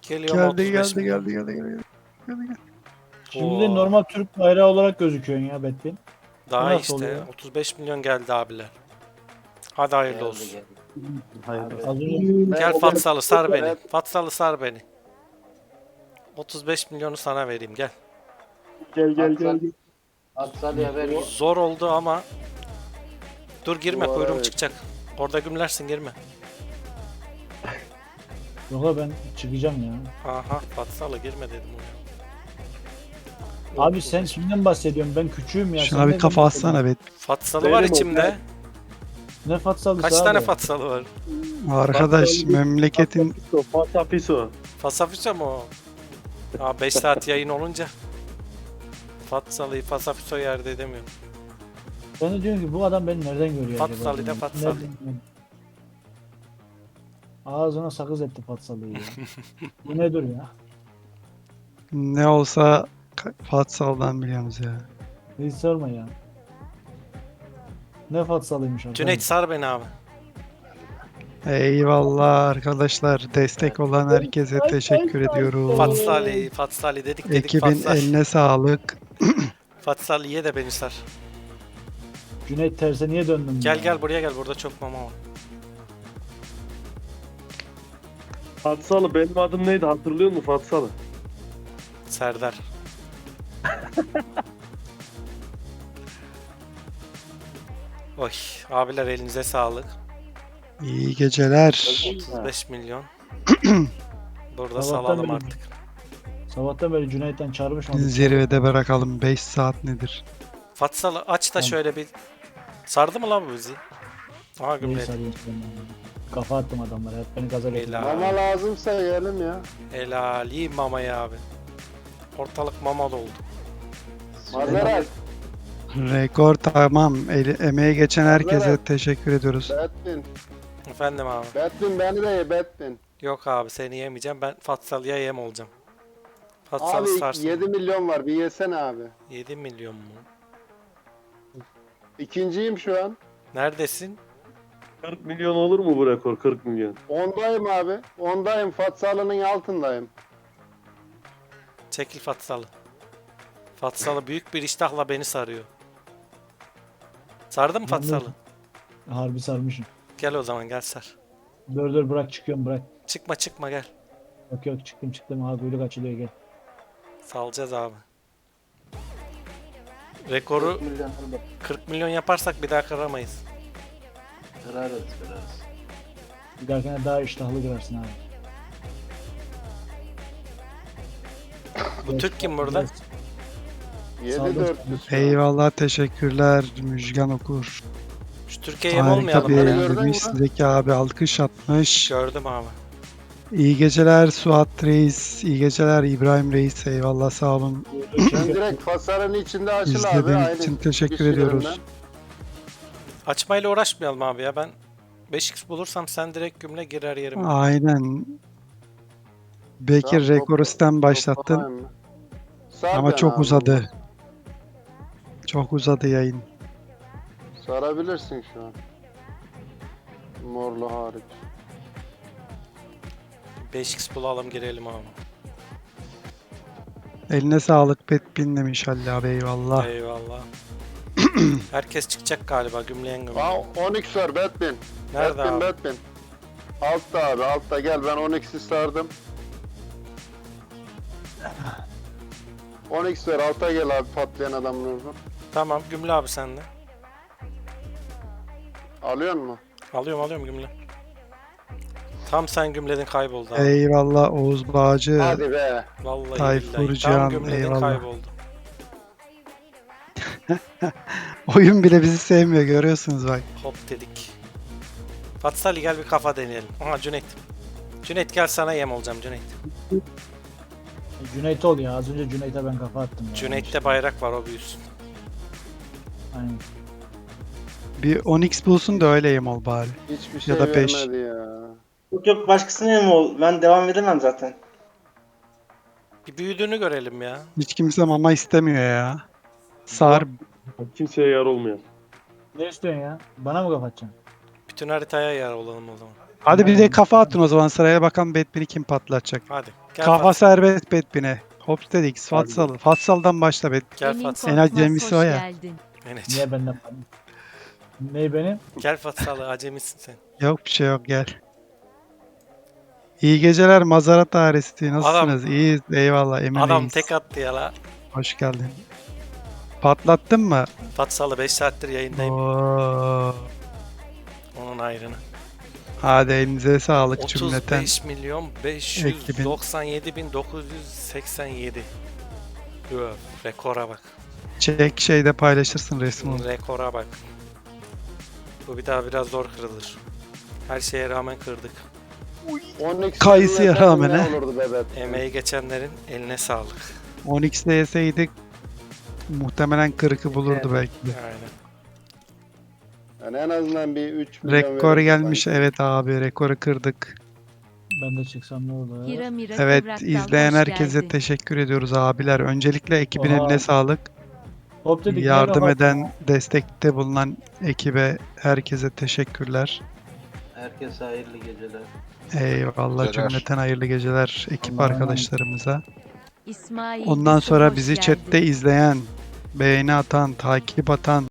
Geliyorum Geldi 35 geldi milyon. geldi geldi geldi. Geldi, geldi. Şimdi de Oo. normal Türk bayrağı olarak gözüküyorsun ya Bettin. Daha nasıl işte oluyor? 35 milyon geldi abiler. Hadi hayırlı Geldi, olsun. geldi. Hayırlı Abi. Az önce Gel Fatsalı sar beni. Evet. Fatsalı sar beni. 35 milyonu sana vereyim gel. Gel gel At gel. sal- At Salih'e ver git. Zor oldu ama. Dur girme Duvara kuyruğum ver. çıkacak. Orada gümlersin girme. yok ben çıkacağım ya. Aha Fatsalı girme dedim oraya. Abi sen kimden bahsediyorsun? Ben küçüğüm ya. Şuna sen bir neden kafa bahsediyorsun? atsana be. Fatsalı var Benim o, içimde. Ne fatsalısı Kaç abi? tane Fatsalı var? Arkadaş memleketin Fatapiso. Fasafiso mu o? Aa 5 saat yayın olunca. Fatsalı'yı Fasafiso yerde edemiyorum. Ben de diyorum ki bu adam beni nereden görüyor Fatsalı acaba? da Fatsalı. Nereden görüyor? Ağzına sakız etti Fatsalı'yı ya. Bu nedir ya? ne olsa Fatsal'dan biliyoruz ya. Hiç sorma ya. Ne Fatsalıymış arkadaş. Cüneyt sar beni abi. Eyvallah arkadaşlar. Destek olan herkese teşekkür ediyoruz. Fatsali, Fatsali dedik Ekibin Fatsali. eline sağlık. Fatsali ye de beni sar. Cüneyt terse niye döndün? Gel ya? gel buraya gel burada çok mama var. Fatsalı benim adım neydi hatırlıyor musun Fatsalı? Serdar. Oy abiler elinize sağlık. İyi geceler. 35 milyon. Burada Sabahtan salalım beri- artık. Sabahtan beri Cüneyt'ten çağırmış mı? Zirvede bırakalım. 5 saat nedir? Fatsalı aç da Tamam. şöyle bir... Sardı mı lan bu bizi? Aha Neyi gümledi. sarıyorsun sen ya? Kafa attım adamlara. Hep beni gaza getirdi. Helal. Mama lazımsa yiyelim ya. Helal iyi mamayı abi. Ortalık mama doldu. Mazerat. Rekor tamam. Emeğe geçen herkese Evet. teşekkür ediyoruz. Batman. Efendim abi. Batman beni de ye Batman. Yok abi seni yemeyeceğim. Ben Fatsalı'ya yem olacağım. Fatsalı Abi sarsın. 7 milyon var bir yesene abi. 7 milyon mu? İkinciyim şu an. Neredesin? 40 milyon olur mu bu rekor 40 milyon? Ondayım abi. Ondayım. Fatsalı'nın altındayım. Çekil Fatsalı. Fatsalı büyük bir iştahla beni sarıyor. Sardı mı Fatsalı? Harbi sarmışım. Gel o zaman gel sar. Dur bırak çıkıyorum bırak. Çıkma gel. Yok çıktım. Ha kuyruk açılıyor gel. Salacağız abi. Rekoru 40 milyon hadi. 40 milyon yaparsak bir daha kıramayız. Kırarız. Bir dahakine daha iştahlı kırarsın abi. Bu Türk kim burada? 7-400. Eyvallah teşekkürler Müjgan Okur. Şu Türkiye'ye mi Harika olmayalım? bir Onları Hadi. gördün mü? demiş. Sizdeki abi alkış atmış. Gördüm abi. İyi geceler Suat Reis. İyi geceler İbrahim Reis. Eyvallah sağ olun. Sen direkt fasaranın içinde açıl abi. İzlediğiniz Aynı için teşekkür kişilerinden. ediyoruz. Açmayla uğraşmayalım abi ya. Ben 5x bulursam sen direkt gümle girer yerime. Aynen. Bekir Tamam, rekoru sen başlattın toplayayım mı? Sar ama beni çok abi. uzadı. Çok uzadı yayın. Sarabilirsin şu an. Morlu hariç. 5x bulalım girelim abi. Eline sağlık Petbin demiş Halil abi eyvallah. Eyvallah. Herkes çıkacak galiba gümleyen gümle. Aa 12 var Batman. Nerede Batman, abi? Batman. Altta abi altta gel ben 12'si sardım. 12 ver alta gel abi patlayan adamın oradan. Tamam gümle abi sende. Alıyor mu? Alıyorum gümle. Tam sen gümledin kayboldu abi. Eyvallah Oğuz Bağcı. Hadi be. Vallahi Tayfur billahi. Can, Tam gümledin eyvallah. kayboldu. Oyun bile bizi sevmiyor görüyorsunuz bak. Hop dedik. Fatsali gel bir kafa deneyelim. Aha Cüneyt. Cüneyt gel sana yem olacağım Cüneyt. Cüneyt ol ya. Az önce Cüneyt'e ben kafa attım ya. Cüneyt'te bayrak var o büyüsün. Aynen. Bir Onyx bulsun da öyle yem ol bari. Hiçbir şey Ya da beş. vermedi ya. Yok başkasına mı ol? Ben devam edemem zaten. Bir büyüdüğünü görelim ya. Hiç kimse mama istemiyor ya. Sar Kimseye yar olmayan. Ne istiyorsun ya? Bana mı kafa atacaksın? Bütün haritaya yer olalım o zaman. Hadi bir de kafa atın o zaman sıraya, bakalım Batman'i kim patlatacak. Hadi. Gel Kafa Fat. serbest Batman'e. Hop dedik. Fatsalı. Fatsal'dan başla Batman. Gel Emin Fat. Korkmaz Korkmaz Cemisi hoş o ya. geldin. Enes. Niye benden? Ney benim? Gel Fatsalı, acemisin sen. Yok bir şey yok, gel. İyi geceler Mazarat ailesi. Nasılsınız? İyiyiz. Eyvallah. Emin Adam Reis. tek attı ya la. Hoş geldin. Patlattın mı? Fatsalı 5 saattir yayındayım. Oo. Onun ayrını. Hadi elinize sağlık cümleten. 35 milyon 597 bin 987. Öf, rekora bak. Çek şeyde paylaşırsın resmi. Rekora bak. Bu bir daha biraz zor kırılır. Her şeye rağmen kırdık. 10x Kayısıya vermeseydim rağmen ne he. olurdu be Batman? Emeği geçenlerin eline sağlık. 10x'de yeseydik muhtemelen 40'ı bulurdu belki de. Aynen. Yani en azından bir 3 milyon Rekor verirdi gelmiş. sanki. Evet abi, rekoru kırdık. Ben de çıksam ne olur? Hira Mira Evet, Kıvrak'tan izleyen hoş herkese geldin. teşekkür ediyoruz abiler. Öncelikle ekibin Oha. eline sağlık. Hop dedik. Yardım ne eden, destekte bulunan ekibe herkese teşekkürler. Herkese hayırlı geceler. Eyvallah, cümleten hayırlı geceler ekip Allah'a arkadaşlarımıza. İsmail Ondan Yusuf, sonra hoş bizi geldin. chatte izleyen, beğeni atan, takip atan,